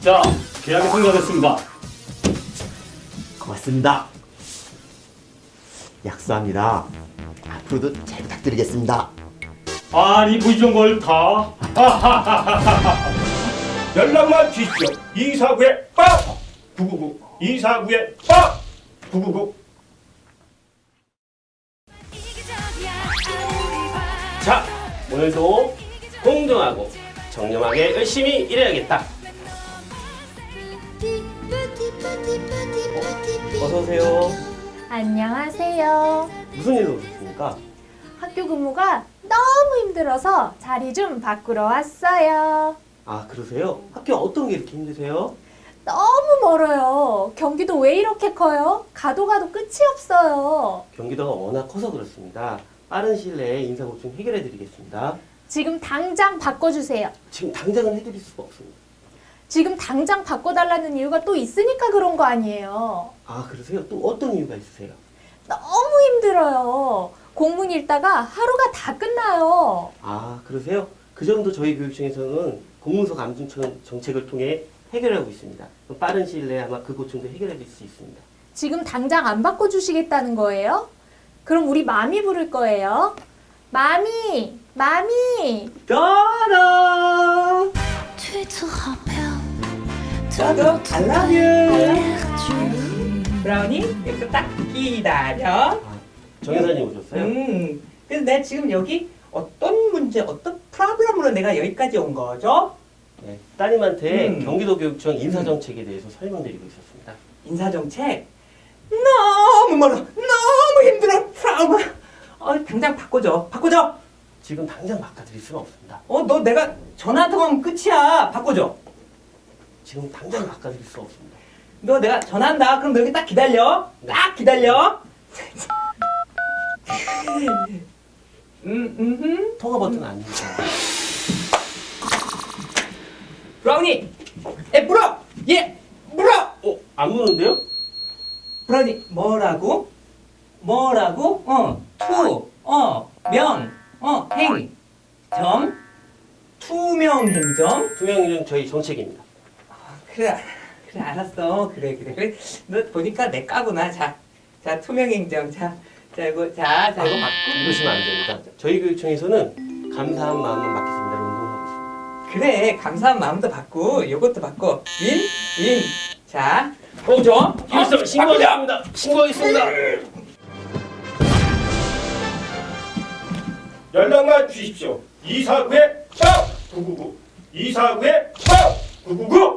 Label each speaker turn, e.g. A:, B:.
A: 자, 계약이 성사됐습니다.
B: 고맙습니다. 약속합니다. 앞으로도 잘 부탁드리겠습니다.
A: 아니, 뭐 이런 걸 다.
C: 연락만 주십시오. 249에 빡! 999 249에 빡! 999.
D: 자, 오늘도 공정하고 정렴하게 열심히 일해야겠다. 어서 오세요.
E: 안녕하세요.
D: 무슨 일로 오셨습니까?
E: 학교 근무가 너무 힘들어서 자리 좀 바꾸러 왔어요.
D: 아, 그러세요? 학교 어떤 게 이렇게 힘드세요?
E: 너무 멀어요. 경기도 왜 이렇게 커요? 가도 끝이 없어요.
D: 경기도가 워낙 커서 그렇습니다. 빠른 시일 내에 인사고충 해결해 드리겠습니다.
E: 지금 당장 바꿔주세요.
D: 지금 당장은 해드릴 수가 없습니다.
E: 지금 당장 바꿔달라는 이유가 또 있으니까 그런 거 아니에요.
D: 아, 그러세요? 또 어떤 이유가 있으세요?
E: 너무 힘들어요. 공문 읽다가 하루가 다 끝나요.
D: 아, 그러세요? 그 점도 저희 교육청에서는 공문서 감증 정책을 통해 해결하고 있습니다. 그럼 빠른 시일 내에 아마 그 고충도 해결해 드릴 수 있습니다.
E: 지금 당장 안 바꿔주시겠다는 거예요? 그럼 우리 마미 부를 거예요. 마미, 마미.
D: 따라!
F: 저도 알라뷰. 브라우니 여기서 딱 기다려.
D: 아, 정 여사님 오셨어요?
F: 그래서 내가 지금 여기 어떤 문제, 어떤 프로블럼으로 내가 여기까지 온 거죠?
D: 네, 따님한테
F: 음.
D: 경기도 교육청 인사정책에 대해서 설명드리고 있었습니다.
F: 인사정책 너무 멀어, 너무 힘들어, 프라우마. 당장 바꿔줘, 바꿔줘.
D: 지금 당장 바꿔드릴 수는 없습니다.
F: 너 내가 전화 한 통하면 끝이야. 바꿔줘.
D: 지금 당장 바꿔드릴 수 없습니다.
F: 너 내가 전화한다. 그럼 너 여기 딱 기다려. 딱 기다려.
D: 통화 버튼 안 누르세요.
F: 브라우니, 물어. 예, 물어.
D: 안 무는데요?
F: 브라우니 뭐라고? 투명행점.
D: 투명인증 저희 정책입니다.
F: 그래 알았어. 그래. 너 보니까 내 까구나. 자 투명행정. 자 이거 받고.
D: 이러시면 안 됩니다. 저희 교육청에서는 감사한 마음만 받겠습니다. 운동하고 있습니다.
F: 그래, 감사한 마음도 받고 이것도 받고 윈. 자, 보죠.
D: 신고하겠습니다. 신고하겠습니다.
C: 연락만 주십시오. 249에 빡! 999 249에 빡! 999.